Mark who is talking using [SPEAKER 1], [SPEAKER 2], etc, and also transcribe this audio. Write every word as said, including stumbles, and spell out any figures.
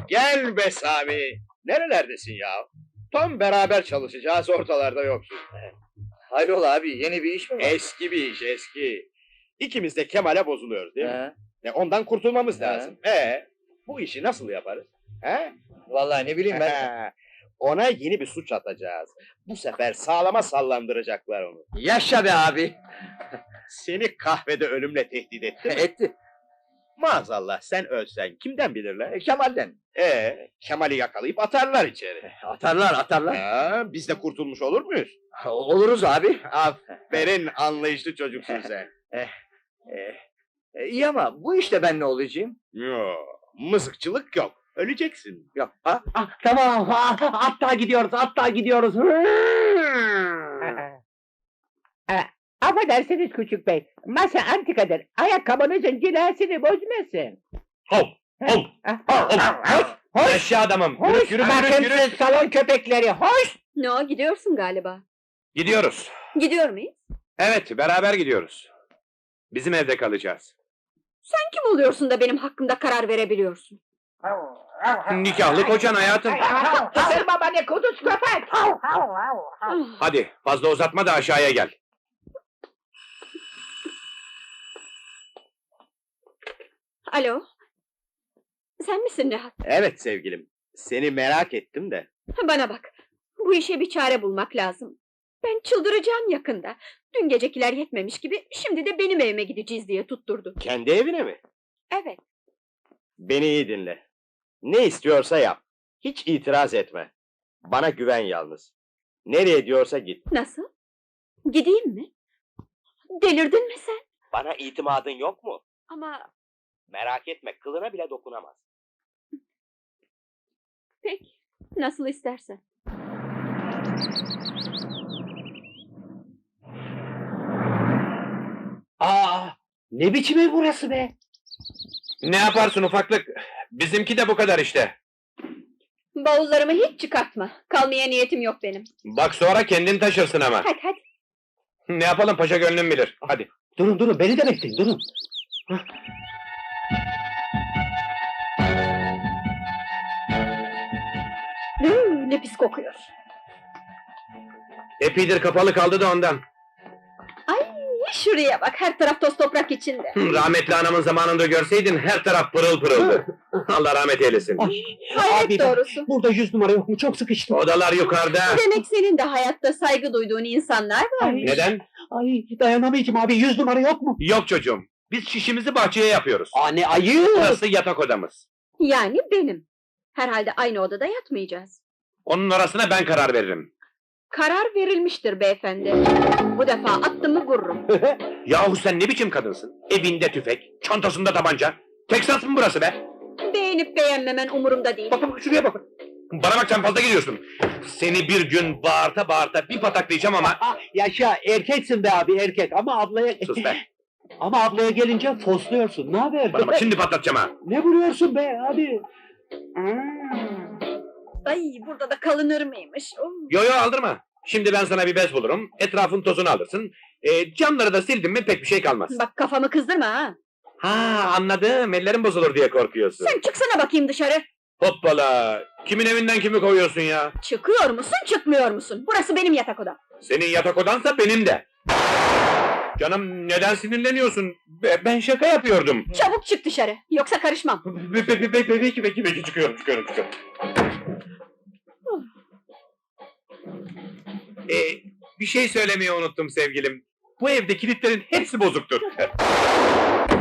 [SPEAKER 1] Gel be Sami! Nerelerdesin ya? Tam beraber çalışacağız, ortalarda yoksun.
[SPEAKER 2] Hayrola abi, yeni bir iş mi var?
[SPEAKER 1] Eski bir iş, eski. İkimiz de Kemal'e bozuluyoruz değil mi?
[SPEAKER 2] He.
[SPEAKER 1] E, ondan kurtulmamız
[SPEAKER 2] He.
[SPEAKER 1] lazım. Ee, bu işi nasıl yaparız? He?
[SPEAKER 2] Vallahi ne bileyim ben.
[SPEAKER 1] Ona yeni bir suç atacağız. Bu sefer sağlama sallandıracaklar onu.
[SPEAKER 2] Yaşa be abi!
[SPEAKER 1] Seni kahvede ölümle tehdit etti mi?
[SPEAKER 2] Etti.
[SPEAKER 1] Maazallah sen ölsen kimden bilirler?
[SPEAKER 2] E, Kemal'den.
[SPEAKER 1] Ee, Kemal'i yakalayıp atarlar içeri.
[SPEAKER 2] Atarlar, atarlar.
[SPEAKER 1] Ha, biz de kurtulmuş olur muyuz?
[SPEAKER 2] Oluruz abi.
[SPEAKER 1] Aferin, anlayışlı çocuksun sen.
[SPEAKER 2] E, iyi ama bu işte ben ne olacağım?
[SPEAKER 1] Yo, mızıkçılık yok. Öleceksin.
[SPEAKER 2] Yok. Ha?
[SPEAKER 3] Ah, tamam, ah, hatta gidiyoruz, hatta gidiyoruz. Eh, Affedersiniz küçük bey, masa antikadır. Ayakkabınızın cilasını bozmasın.
[SPEAKER 4] Hop! Hop!
[SPEAKER 3] Ah,
[SPEAKER 4] Hop!
[SPEAKER 3] Hoş, hoş,
[SPEAKER 4] Eşya adamım! Yürü,
[SPEAKER 3] hoş,
[SPEAKER 4] yürü,
[SPEAKER 3] bakın
[SPEAKER 4] yürü, yürü!
[SPEAKER 3] siz salon köpekleri, hoş!
[SPEAKER 5] Ne o, gidiyorsun galiba.
[SPEAKER 4] Gidiyoruz.
[SPEAKER 5] Gidiyor muyuz?
[SPEAKER 4] Evet, beraber gidiyoruz. Bizim evde kalacağız.
[SPEAKER 5] Sen kim oluyorsun da benim hakkımda karar verebiliyorsun?
[SPEAKER 4] Nikahlı kocan hayatım.
[SPEAKER 3] Isırma beni kuduz köpek!
[SPEAKER 5] Ah,
[SPEAKER 4] Hadi, fazla uzatma da aşağıya gel.
[SPEAKER 5] Alo? Sen misin Nihat?
[SPEAKER 1] Evet sevgilim, seni merak ettim de.
[SPEAKER 5] Bana bak, bu işe bir çare bulmak lazım. Ben çıldıracağım yakında. Dün gecekiler yetmemiş gibi, şimdi de benim evime gideceğiz diye tutturdu.
[SPEAKER 1] Kendi evine mi?
[SPEAKER 5] Evet,
[SPEAKER 1] Beni iyi dinle. Ne istiyorsa yap. Hiç itiraz etme. Bana güven yalnız. Nereye diyorsa git.
[SPEAKER 5] nasıl? Gideyim mi? Delirdin mi sen?
[SPEAKER 1] Bana itimadın yok mu?
[SPEAKER 5] Ama
[SPEAKER 1] Merak etme, kılına bile dokunamaz.
[SPEAKER 5] peki, nasıl istersen.
[SPEAKER 3] Aa, ne biçim ev burası be?
[SPEAKER 4] Ne yaparsın ufaklık? Bizimki de bu kadar işte.
[SPEAKER 5] Bavullarımı hiç çıkartma. Kalmaya niyetim yok benim.
[SPEAKER 4] Bak sonra kendin taşırsın ama.
[SPEAKER 5] Hadi hadi.
[SPEAKER 4] Ne yapalım paşa gönlüm bilir. Hadi.
[SPEAKER 3] Durun durun, beni de bekleyin, durun.
[SPEAKER 5] Hıı, ne pis kokuyor.
[SPEAKER 4] Epeydir kapalı kaldı da ondan.
[SPEAKER 5] Ay, şuraya bak, her taraf toz toprak içinde.
[SPEAKER 4] Hı, Rahmetli anamın zamanında görseydin her taraf pırıl pırıldı. Allah rahmet eylesin.
[SPEAKER 3] Ay,
[SPEAKER 5] Hayret
[SPEAKER 3] abi,
[SPEAKER 5] doğrusu.
[SPEAKER 3] burada yüz numara yok mu? Çok sıkıştım.
[SPEAKER 4] Odalar yukarıda.
[SPEAKER 5] Demek senin de hayatta saygı duyduğun insanlar var.
[SPEAKER 3] Ay,
[SPEAKER 4] Neden?
[SPEAKER 3] Ay, dayanamayacağım abi, yüz numara yok mu?
[SPEAKER 4] Yok çocuğum. Biz şişimizi bahçeye yapıyoruz.
[SPEAKER 3] Aa, ne ayıp!
[SPEAKER 4] Burası yatak odamız.
[SPEAKER 5] Yani benim. Herhalde aynı odada yatmayacağız.
[SPEAKER 4] Onun arasına ben karar veririm.
[SPEAKER 5] Karar verilmiştir beyefendi. Bu defa attımı vururum.
[SPEAKER 4] Yahu sen ne biçim kadınsın? Evinde tüfek, çantasında tabanca. Texas mı burası be?
[SPEAKER 5] Beğenip beğenmemen umurumda değil.
[SPEAKER 4] Bakın şuraya bakın. Bana bak sen fazla gidiyorsun. Seni bir gün bağırta bağırta bir pataklayacağım ama...
[SPEAKER 3] Ah, yaşa, erkeksin be abi, erkek, ama ablaya...
[SPEAKER 4] Sus be.
[SPEAKER 3] Ama ablaya gelince fosluyorsun, ne haber?
[SPEAKER 4] Bana bak şimdi patlatacağım ha.
[SPEAKER 3] Ne vuruyorsun be abi?
[SPEAKER 5] Ay, burada da kalınır mıymış? Oh.
[SPEAKER 4] Yo yo aldırma. Şimdi ben sana bir bez bulurum. Etrafın tozunu alırsın. E, camları da sildim mi pek bir şey kalmaz.
[SPEAKER 5] Bak, kafamı kızdırma ha.
[SPEAKER 4] Ha anladım. Ellerim bozulur diye korkuyorsun.
[SPEAKER 5] Sen çıksana bakayım dışarı.
[SPEAKER 4] Hoppala. Kimin evinden kimi kovuyorsun ya?
[SPEAKER 5] Çıkıyor musun, çıkmıyor musun? Burası benim yatak odam.
[SPEAKER 4] Senin yatak odansa benim de. Canım neden sinirleniyorsun? Be- Ben şaka yapıyordum.
[SPEAKER 5] Çabuk çık dışarı, yoksa karışmam.
[SPEAKER 4] Be- be- be- be- be- Peki peki peki çıkıyorum çıkıyorum çıkıyorum. Ee, bir şey söylemeyi unuttum sevgilim. Bu evde kilitlerin hepsi bozuktur.